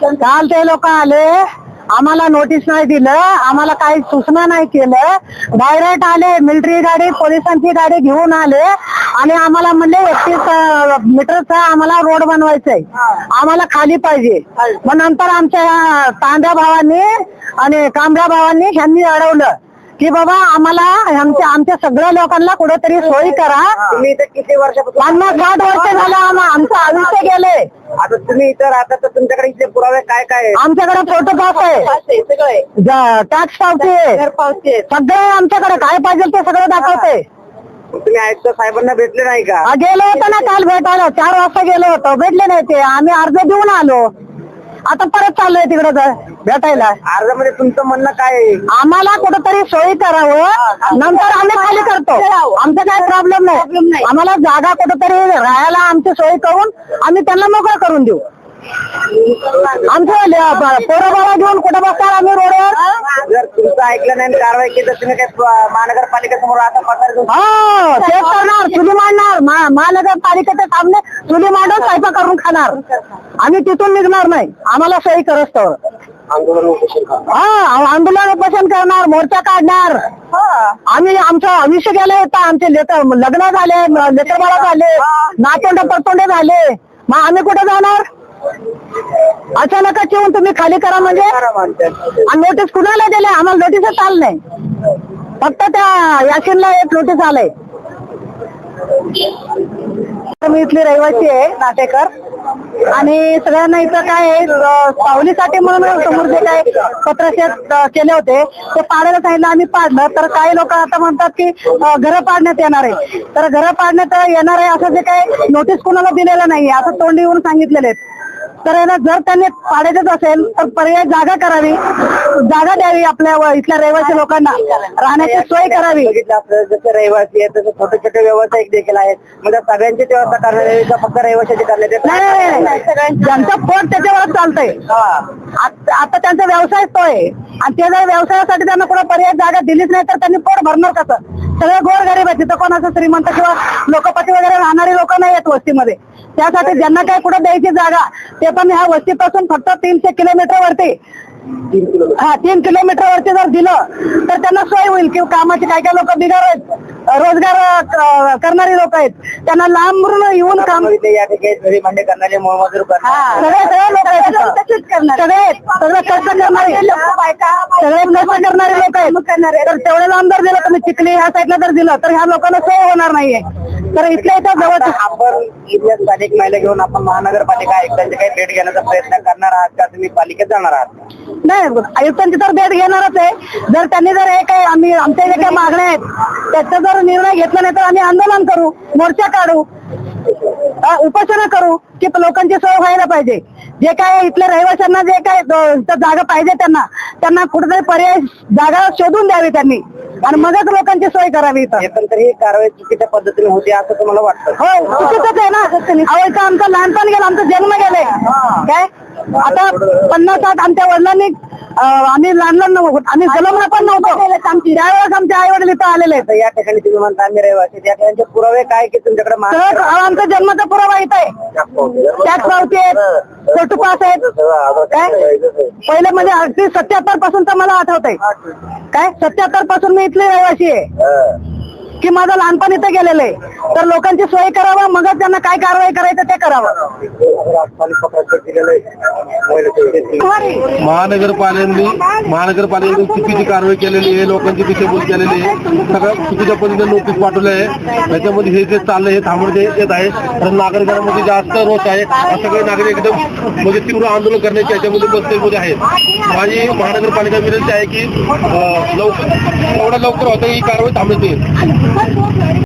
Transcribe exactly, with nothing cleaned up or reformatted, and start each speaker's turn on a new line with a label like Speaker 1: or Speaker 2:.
Speaker 1: काल ते लोक आले, आम्हाला नोटीस नाही दिलं, आम्हाला काही सूचना नाही केलं, डायरेक्ट आले, मिलिटरी गाडी पोलिसांची गाडी घेऊन आले आणि आम्हाला म्हणले एकतीस मीटरचा आम्हाला रोड बनवायचंय, आम्हाला खाली पाहिजे. मग नंतर आमच्या तांड्या भावांनी आणि कांबळ्या भावांनी ह्यांनी अडवलं की बाबा आम्हाला आमच्या आमच्या सगळ्या लोकांना कुठेतरी सोयी करा.
Speaker 2: तुम्ही इथे किती वर्षापासून
Speaker 1: पन्नास साठ वर्ष झालं आम- आमचं आयुष्य गेले.
Speaker 2: आता तुम्ही इथं राहता तर तुमच्याकडे इथले पुरावे काय काय आहेत?
Speaker 1: आमच्याकडे फोटो पास आहे, टॅक्स पावती आहे, सगळे आमच्याकडे काय पाहिजे ते सगळं दाखवते.
Speaker 2: तुम्ही आयुक्त साहेबांना भेटले नाही का?
Speaker 1: आ, गेलो होतो ना काल भेटायला, चार वाजता गेलो होतो, भेटले नाही ते, आम्ही अर्ज देऊन आलो, आता परत चाललोय तिकडे भेटायला.
Speaker 2: अर्जामध्ये तुमचं म्हणणं काय आहे?
Speaker 1: आम्हाला कुठेतरी सोयी करावं, नंतर आम्ही खाली करतो, आमचा काय प्रॉब्लेम नाही. आम्हाला जागा कुठेतरी राहायला आमची सोय करून आम्ही त्यांना मोकळं करून देऊ. आमचं पोरं बाबा घेऊन कुठं बसणार आम्ही रोडवर?
Speaker 2: जर तुमचं ऐकलं नाही आणि कारवाई केली तर तुम्ही काय महानगरपालिकेसमोर आता पत्र घेऊन
Speaker 1: हो तेच करणार, चुली मांडणार, मा- महानगरपालिकेच्या सामने चुली मांडून स्वयंपाक करून खाणार. आम्ही तिथून निघणार नाही, आम्हाला सोयी करत तर
Speaker 2: आंदोलन उपोषण करा.
Speaker 1: हा आंदोलन उपोषण करणार, मोर्चा काढणार. आम्ही आमचं आयुष्य गेले तर आमचे लेकर लग्न झाले, लेकर बाळा झाले, नातोंड परतोंडे झाले, मग आम्ही कुठे जाणार? अचानकच येऊन तुम्ही खाली करा म्हणजे? आणि नोटीस कुणाला दिले? आम्हाला नोटीसच आलं नाही, फक्त त्या याशीनला एक नोटीस आलंय. मी इथली रहिवासी आहे, नाटेकर, आणि सगळ्यांना इथं काय आहे, सावलीसाठी म्हणून समोर जे काय पत्रशेत केले होते ते पाडायला सांगितलं, आम्ही पाडलं. तर काही लोक आता म्हणतात की घरं पाडण्यात येणार आहे, तर घरं पाडण्यात येणार आहे असं जे काय नोटीस कोणाला दिलेलं नाहीये, असं तोंडी येऊन सांगितलेले आहेत. तर जर त्यांनी पाडायचंच असेल तर पर्याय जागा करावी, जागा द्यावी आपल्या इथल्या रहिवासी लोकांना, राहण्याची सोय करावी.
Speaker 2: जसे रहिवासी आहेत तसे छोटे छोटे व्यावसायिक देखील आहेत, म्हणजे सगळ्यांची व्यवस्था करण्यात का फक्त रहिवाशाची करण्यात येत?
Speaker 1: नाही नाही, ज्यांचं पोट त्याच्यावरच चालतंय. आता त्यांचा व्यवसाय तो आहे, आणि ते जर व्यवसायासाठी त्यांना कुठं पर्याय जागा दिलीच नाही तर त्यांनी पोट भरणार कसं? सगळे गोरगरीब आहेत, तिथं कोण असं श्रीमंत किंवा लोकपती वगैरे राहणारी लोक नाही आहेत वस्तीमध्ये. त्यासाठी ज्यांना काय कुठं द्यायची जागा, ते पण ह्या वस्तीपासून फक्त तीनशे किलोमीटर वरती हा तीन किलोमीटर वरती जर दिलं तर त्यांना सोय होईल. किंवा कामाचे काय काय लोक बिगार आहेत, रोजगार करणारी लोक आहेत, त्यांना लांबून येऊन काम
Speaker 2: या ठिकाणी भांडे करणारे मोलमजूर करणारे
Speaker 1: सगळे सगळे लोक आहेत, सगळे सगळे कष्ट करणारे सगळे कष्ट करणारे लोक आहेत. तर तेवढे लांब जर दिलं तुम्ही चिखली ह्या साईडला जर दिलं तर ह्या लोकांना सोय होणार नाहीये. तर इथल्या इथं जवळ
Speaker 2: आपण इथल्या स्थानिक महिला घेऊन आपण महानगरपालिका आयुक्तांची काही भेट घेण्याचा प्रयत्न करणार आहात का? तुम्ही पालिकेत जाणार आहात?
Speaker 1: नाही, आयुक्तांची तर भेट घेणारच आहे. जर त्यांनी जर हे काही आम्ही आमच्या जे काही मागण्या आहेत त्याचा जर निर्णय घेतला नाही तर आम्ही आंदोलन करू, मोर्चा काढू, उपोषण करू की लोकांची सोय व्हायला पाहिजे. जे काय इथल्या रहिवाशांना जे काय जागा पाहिजे त्यांना त्यांना कुठेतरी पर्याय जागा शोधून द्यावी त्यांनी, आणि मगच लोकांची सोय करावी.
Speaker 2: पण तरी ही कारवाई चुकीच्या पद्धतीने होती असं तुम्हाला वाटतं?
Speaker 1: हो चुकीचंच आहे ना. अहो इथं आमचं लहानपण गेलं, आमचं जन्म गेले काय. आता पन्नास साठ आमच्या वडिलांनी आम्ही लहान लहान नव्हतो, आम्ही जन्मला पण नव्हतो, त्यावेळेस आमचे आई वडील इथं आलेले आहेत.
Speaker 2: या ठिकाणी तुम्ही म्हणता आम्ही रहिवासी, त्या ठिकाणचे पुरावे काय की तुमच्याकडे?
Speaker 1: आमचा जन्माचा पुरावा इथं आहे, टॅक्स पावती आहेत, फोटो पास आहेत. काय पहिले म्हणजे अगदी सत्याहत्तर पासून तर मला आठवत आहे, काय सत्याहत्तर पासून मी इथली रहिवासी आहे की माझं लहानपण इथे गेलेलं आहे. तर लोकांची सोय करावं, मगच त्यांना काय कारवाई करायचं ते करावं.
Speaker 3: महानगरपालिकेने महानगरपालिकेने चुकीची कारवाई केलेली आहे, लोकांची दिशाभूल केलेली आहे, सगळं चुकीच्या पद्धतीने नोटीस पाठवले आहे. त्याच्यामध्ये हे जे चाललंय हे थांबवण्यात येत आहे, तर नागरिकांमध्ये जास्त रोष आहे. सगळे नागरिक एकदम म्हणजे तीव्र आंदोलन करण्याच्या याच्यामध्ये बसलेमध्ये आहेत. माझी महानगरपालिका विनंती आहे की लवकर एवढं लवकर होतं ही कारवाई थांबवण्यात येईल.